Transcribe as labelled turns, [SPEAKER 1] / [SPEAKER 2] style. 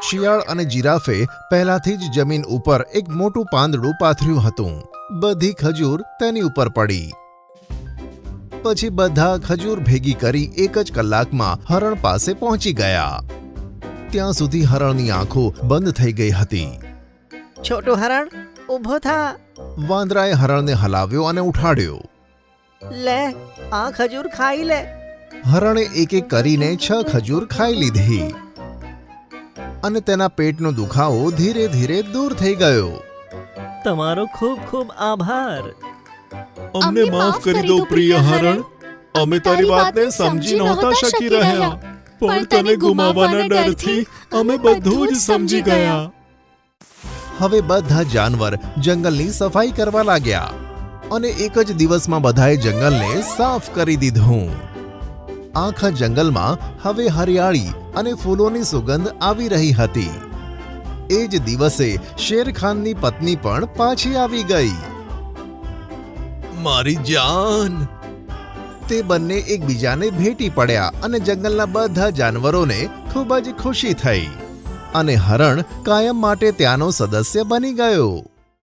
[SPEAKER 1] શિયાળ અને જીરાફે પહેલાથી જ જમીન ઉપર એક મોટું પાંદડું પાથર્યું હતું. બધી ખજૂર તેની ઉપર પડી. પછી બધા ખજૂર ભેગી કરી એક જ કલાકમાં હરણ પાસે પહોંચી ગયા. ત્યાં સુધી હરણની આંખો બંધ થઈ ગઈ હતી.
[SPEAKER 2] છોટું હરણ ઊભો થા.
[SPEAKER 1] વાંદરાએ હરણને હલાવ્યો અને ઉઠાડ્યો.
[SPEAKER 2] લે આ ખજૂર ખાઈ લે.
[SPEAKER 1] હરણે એક એક કરીને 6 ખજૂર ખાઈ લીધી અને તેના પેટનો દુખાવો ધીરે ધીરે દૂર થઈ ગયો.
[SPEAKER 2] તમારો ખૂબ ખૂબ આભાર.
[SPEAKER 3] અમને માફ કરી દો પ્રિય હરણ. અમે તારી વાતને સમજી નહોતા શકી રહ્યા, પણ તને ગુમાવવાના ડરથી અમે બધું જ સમજી ગયા.
[SPEAKER 1] હવે બધા જાનવર જંગલની સફાઈ કરવા લાગ્યા અને એક જ દિવસમાં બધાએ જંગલને સાફ કરી દીધું. આખા જંગલમાં હવે હરિયાળી અને ફૂલોની સુગંધ આવી રહી હતી. એ જ દિવસે શેરખાનની પત્ની પણ પાછી આવી ગઈ. મારી જાન! તે બંને એકબીજાને ભેટી પડ્યા અને જંગલના બધા જાનવરોને ખૂબ જ ખુશી થઈ અને હરણ કાયમ માટે ત્યાંનો સદસ્ય બની ગયો.